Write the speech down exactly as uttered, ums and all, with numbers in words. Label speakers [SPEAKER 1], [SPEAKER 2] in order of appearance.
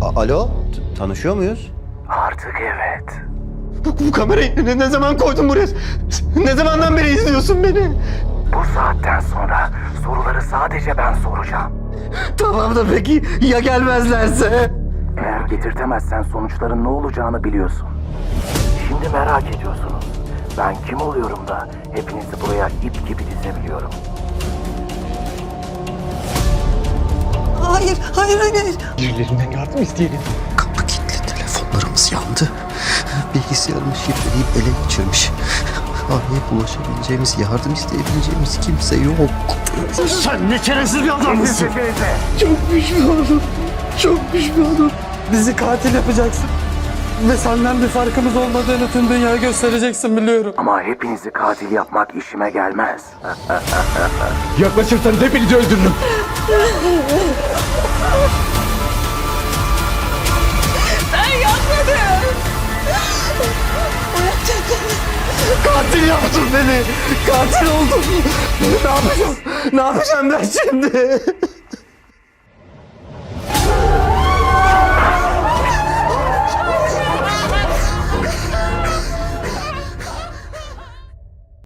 [SPEAKER 1] A- Alo, T- tanışıyor muyuz?
[SPEAKER 2] Artık evet.
[SPEAKER 1] Bu, bu kamerayı ne, ne zaman koydun buraya? Ne zamandan beri izliyorsun beni?
[SPEAKER 2] Bu saatten sonra soruları sadece ben soracağım.
[SPEAKER 1] Tamam da peki ya gelmezlerse?
[SPEAKER 2] Eğer getirtemezsen sonuçların ne olacağını biliyorsun. Şimdi merak ediyorsunuz. Ben kim oluyorum da hepinizi buraya ip gibi dizebiliyorum.
[SPEAKER 3] Hayır, hayır, hayır, hayır.
[SPEAKER 1] Birilerinden yardım isteyelim. Kapı kilitli, telefonlarımız yandı. Bilgisayarımı şifreleyip ele geçirmiş. Arayıp ulaşabileceğimiz, yardım isteyebileceğimiz kimse yok. Sen ne çaresiz bir adamsın. Çok pişmanım. Çok pişmanım.
[SPEAKER 4] Bizi katil yapacaksın. Ve senden bir farkımız olmadığını tüm dünyaya göstereceksin biliyorum.
[SPEAKER 2] Ama hepinizi katil yapmak işime gelmez.
[SPEAKER 4] Yaklaşırsanız hepinizi öldürürüm.
[SPEAKER 3] Ben yapmadım.
[SPEAKER 1] Katil yaptın beni. Katil oldum. Ne yapacağım? Ne yapacağım ben şimdi?